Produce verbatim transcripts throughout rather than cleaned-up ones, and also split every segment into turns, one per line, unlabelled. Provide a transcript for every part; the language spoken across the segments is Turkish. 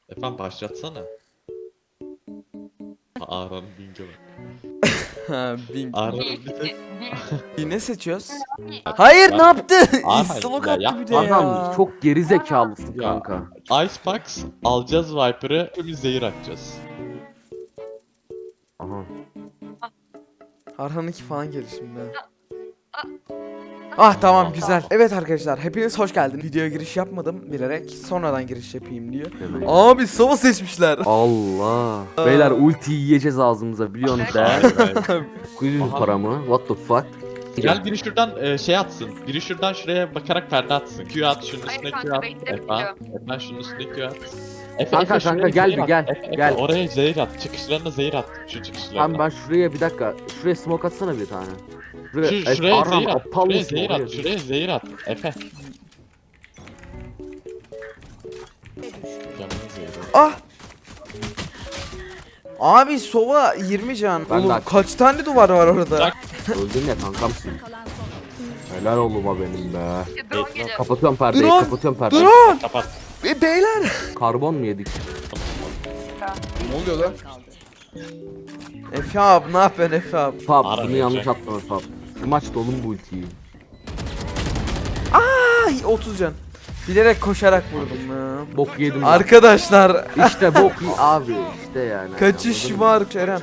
Efendim başlatsana. Aaron Bing'e bak.
Ha, Bing.
Aaron bir tek...
Ne seçiyoruz? Hayır ne yaptı?
Aaron,
İstalok
ya
attı bir de
Adam
ya.
çok geri zekalısın
Ya.
kanka.
Icebox alacağız Viper'ı, biz zehir atacağız.
Aha.
Arhan'ınki falan gelir şimdi. Ah tamam güzel. Evet arkadaşlar hepiniz hoş geldiniz. Videoya giriş yapmadım bilerek. Sonradan giriş yapayım diyor.
Demek.
Abi Sova seçmişler.
Allah. Beyler ulti yiyeceğiz ağzımıza biliyorsunuz da.
Hayır, hayır.
dokuz yüz
Aha.
para mı? What the fuck?
Gel biri şuradan e, şey atsın. Biri şuradan şuraya bakarak perde atsın. Q at, şunun üstüne
Hayır
Q
kanka,
at.
bekle,
Efe,
bekliyorum.
Efe şunun üstüne Q at. Efe,
Kanka,
Efe,
kanka,
şuraya
gel
zehir
bir
at.
gel,
Efe, Efe,
gel.
oraya zehir at. Çıkışlarına zehir at. Şu çıkışlarına.
Tamam ben şuraya bir dakika. Şuraya smoke atsana bir tane. Şuraya,
Şu, şuraya
Arhan,
zehir at.
aptal
Şuraya
mısın
zehir
oraya?
at. Şuraya zehir at. Efe. Camını zehir at.
Ah. Abi Sova yirmi can.
Ben de
Oğlum
açtım.
kaç tane duvar var orada?
Bırak.
Öldün ya kankamsın. Helal oğluma benim be.
Drone geliyor.
Kapatıyorum perdeyi,
Drone!
kapatıyorum perdeyi.
Durun.
Kapat.
E, beyler.
Karbon mu yedik?
Ne oluyor lan? Efe abi ne yapıyorsun Efe abi?
Fab
Ara
bunu yanlış
verecek.
attın Fab. Bu maç dolun bu ultiyi.
Ay otuz can. Bilerek koşarak vurdum ya.
Bok yedim. lan.
Arkadaşlar
İşte bok y- abi işte yani.
kaçış
Anladın mı?
var Kerem.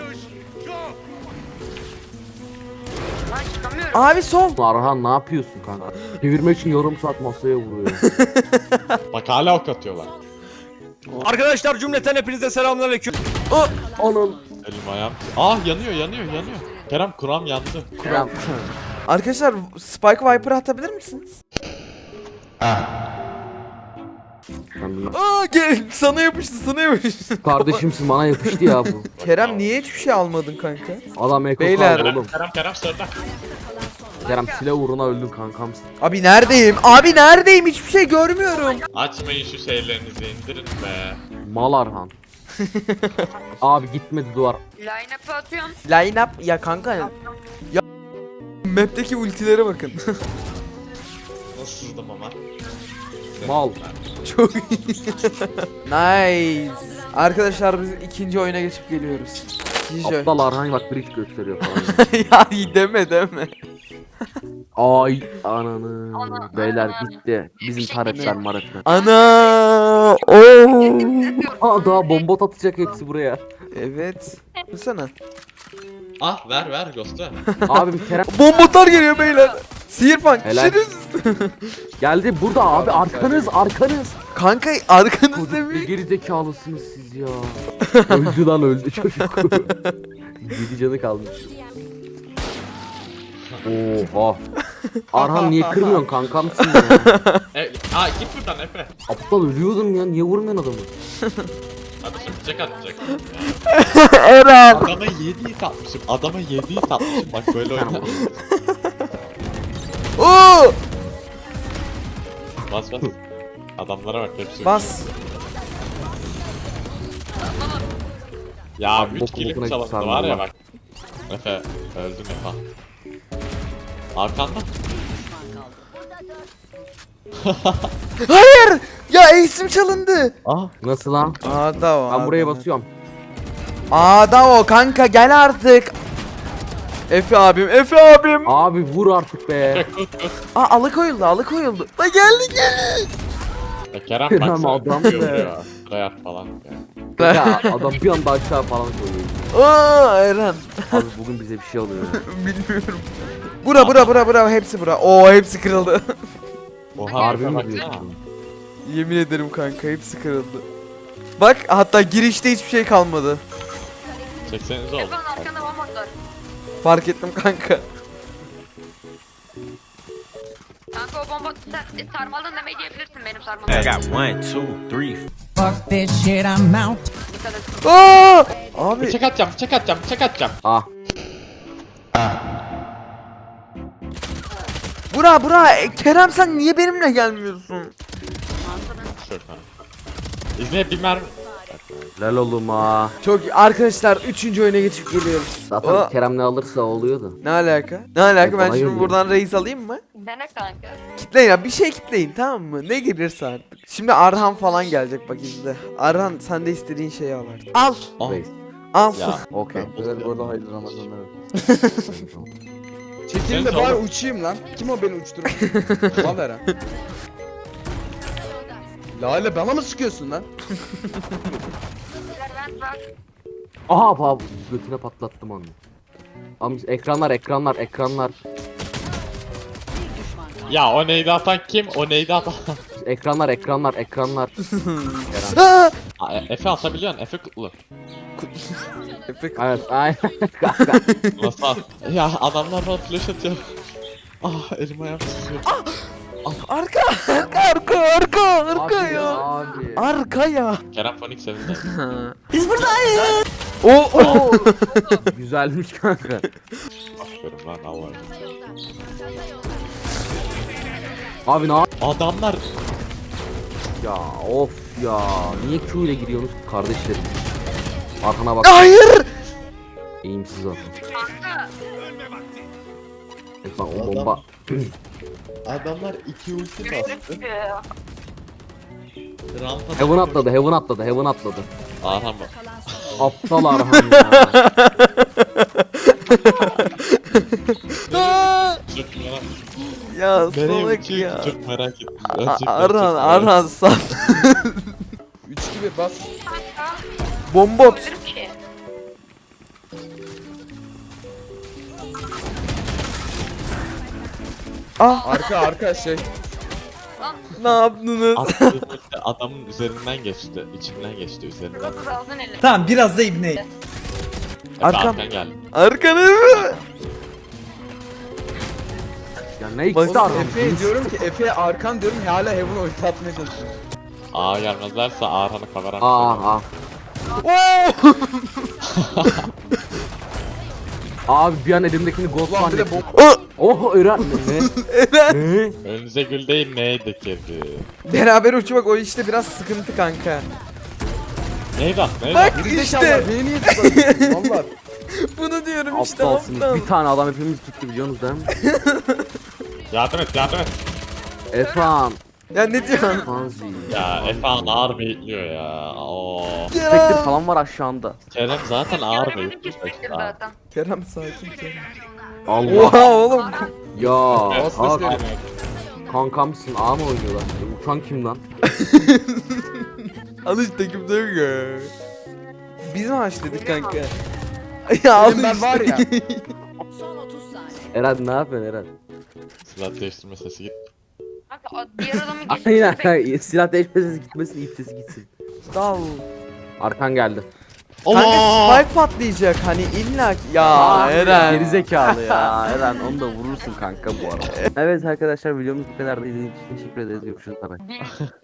Lan çıkamıyorum.
Abi sol.
Arhan ne yapıyorsun kanka? Çevirmek için yarım saat masaya vuruyor.
Bak hala ok atıyorlar.
Arkadaşlar cümleten hepinize selamünaleyküm.
Onun
Elim ayağım. Ah yanıyor yanıyor yanıyor. Kerem kuram yandı.
kuram.
Arkadaşlar Spike Viper atabilir misiniz? Aa gel sana yapıştı sana yapıştı.
Kardeşimsin bana yapıştı ya bu.
Kerem niye hiçbir şey almadın kanka?
Adam eko
Beyler.
kaldı oğlum.
Kerem Kerem sırda.
Kerem silah uğruna öldün kankamsın.
Abi neredeyim? Abi neredeyim? Hiçbir şey görmüyorum.
Açmayın şu şeylerinizi indirin be.
Mal Arhan. Abi gitmedi duvar.
Line-up'ı atıyorum.
Line up ya kanka. Ya map'teki ultilere bakın.
Nasıl sızdım ama?
Mal.
Çok iyi. Nice. Arkadaşlar biz ikinci oyuna geçip geliyoruz. İkinci oyun.
Aptal Arhan bak bridge gösteriyor falan.
Ya iyi deme deme.
Ay ananı.
Ana,
Beyler
ana.
gitti. Bizim
Bir şey
taretler
diyeceğim.
maretler.
Ana. Oo.
Aa daha bomba atacak hepsi buraya.
Evet. Dursana.
Ah ver ver Ghost'u.
Abi bir Kerem
Bombotar geliyor beyler. Sihirpan.
Helal.
Şiriz.
geldi burada abi arkanız arkanız.
Kanka arkanızda
Çocuk ne
bir.
geri zekalısınız siz ya. öldü lan öldü çocuk. yedi canı kalmış. Oha. Arhan niye kırmıyorsun kankamsın ya.
E, aa git buradan Efe.
Aptal ölüyordum ya niye vurmuyorsun adamı?
Hadi şimdi bıçak atacak.
Eren.
Adama yedi hit atmışım. Adama yedi hit atmışım. Bak böyle oynar.
Oo.
Bas bas. Adamlara bak hepsi.
Bas.
Ya
Abi,
üç
boku
kilim
bokuna
çalındı
sardı
var ya
lan.
bak. Efe öldün Efe. Arkanda.
Hayır. Ya ace'im çalındı.
Ah.
Nasıl lan?
Ada o.
Ben buraya
ada.
basıyorum.
Ada o kanka gel artık. Efe abim, Efe abim.
Abi vur artık be.
Aa alıkoyuldu, alıkoyuldu. La geldi geldi.
Ya Kerem
Kerem
baksana.
adam
yapıyor
be.
ya. Sıraya at falan. Ya.
Ya adam bir anda aşağı falan koyuyor.
Aa Eren.
Abi bugün bize bir şey oluyor.
Bilmiyorum. Bura bura bura bura hepsi bura. Oo hepsi kırıldı.
Oha
Harbi
Efe
mi
baksana.
diyorsun?
Yemin ederim kanka hepsi kırıldı. Bak hatta girişte hiçbir şey kalmadı.
Çeksenize oldu.
Efendim arkanda bomba var.
Fark ettim kanka.
Kanka o bomba sen sarmaldan demeyi diyebilirsin benim
I
sarmaldan.
got one, two, three.
Fuck this shit, I'm out.
Dikkat et.
Aa! Abi
Bıçak atacağım, bıçak atacağım, bıçak atacağım.
Ah.
bura bura E, Kerem sen niye benimle gelmiyorsun?
Şuradan. İzne bir mermi.
Helal oğlum ha.
Çok iyi. Arkadaşlar üçüncü oyuna geçip geliyoruz.
Zaten
Aa,
Kerem ne alırsa oluyordu.
ne alaka? Ne alaka? Ben
Bana
şimdi
geliyor.
buradan reis alayım mı?
Dene kanka.
Kitleyin ya bir şey kitleyin tamam mı? Ne gelirse artık. Şimdi Arhan falan gelecek bak izle. Arhan sen de istediğin şeyi al artık. Al.
Ah,
Reis.
Al.
ya.
Okey.
Güzel bu arada hayırlı Ramazanlar.
Sen
Çekilin de
sor.
bari uçayım lan. Kim o beni uçturan? Ulan Eren. Lale bana mı sıkıyorsun lan?
Ben bak.
Aha abi götüne patlattım onu. Ama ekranlar ekranlar ekranlar.
Ya o neydi atan kim? O neydi atan?
Ekranlar ekranlar ekranlar.
Aa!
Aa, e- Efe atabiliyorsun. Efe kutlu.
Efek.
Evet aynen.
Nasıl at? Ya adamlar bana flash atıyor. Ah elim ayağım tutuyor.
Arka arka arka arka arka
Abi
ya.
abi.
Arka ya.
Kerem Fonik sevindi.
O o.
Güzelmiş kanka.
Aferin lan Allah.
Abi ne yap-
Adamlar
ya of ya. Niye Q ile giriyorsunuz kardeşlerim? Arkana bak.
Hayır.
Eğimsiz zaten.
Kanka.
Lan o bomba.
adamlar iki ulti bastı.
Yürü.
Rampada
Heaven atladı, Heaven atladı, Heaven atladı.
Arhan bak.
Aptal Arhan ya.
Çok merak
Ya
Nereye
salak
uçuyor
ya.
ki? Çok merak ettim.
A-
Gerçekten
Arhan
çok merak
Arhan sal.
üç gibi bas.
Kanka.
Bombot.
Ölürüm ki.
Ah
Arka arka şey.
ne yaptınız?
Attığı ulti adamın üzerinden geçti. içinden geçti üzerinden.
Burası da aldın eli.
Tamam biraz da ibne.
Efe
Arkam.
arkan geldi.
Arkanı.
Ya ne
Bak-
ikisi Arhan?
Efe'ye diyorum ki Efe'ye arkan diyorum hala Heaven ulti atmaya çalışıyor.
Aa gelmezlerse Arhan'ı kameram.
Aa aa.
Oo.
Abi bir an elimdekini ghost
Ulan bir de
zannettim.
Oh.
Oh Eren ne?
Eren.
Ne?
Önünüze gül değil neydi kedi?
Beraber uçmak o işte biraz sıkıntı kanka.
Neydi at neydi
Bak
at?
Geri
işte
zekalar beni niye tutuyorsun? Valla.
bunu diyorum işte
Aptalsınız.
aptal.
Bir tane adam hepimiz tuttu biliyorsunuz değil mi?
Yardım et yardım et.
Efan.
Ya ne diyorsun?
Fanzi.
Ya Efe ağır bekliyor ya. Oo.
Spectre
Ya.
falan var aşağında.
Kerem zaten ağır
Yarın
bekliyor.
geçecektir zaten.
Kerem sakin Kerem.
Allah.
Oha oğlum.
Ya.
Bas
Aa,
bas
kankamsın. A mı oynuyorlar? E, uçan kim lan?
Al işte kimse yok ya. Biz mi haşladık kanka? Ya al
Benim ben
işte.
var ya.
Eren ne yapıyorsun Eren?
Silah değiştirme sesi git.
Kanka o diğer adamın
Aynen
geçmesini bekliyorum.
kanka. Silah değişmesi gitmesin, ip sesi gitsin.
Dal.
Arkan geldi.
Kanka
Allah!
spike patlayacak hani illa ki. Ya
Aa,
Eren.
Gerizekalı ya. Eren onu da vurursun kanka bu arada. Evet arkadaşlar videomuz bu kadar da izlediğiniz için teşekkür ederiz. Görüşürüz. Bye bye.
Bir-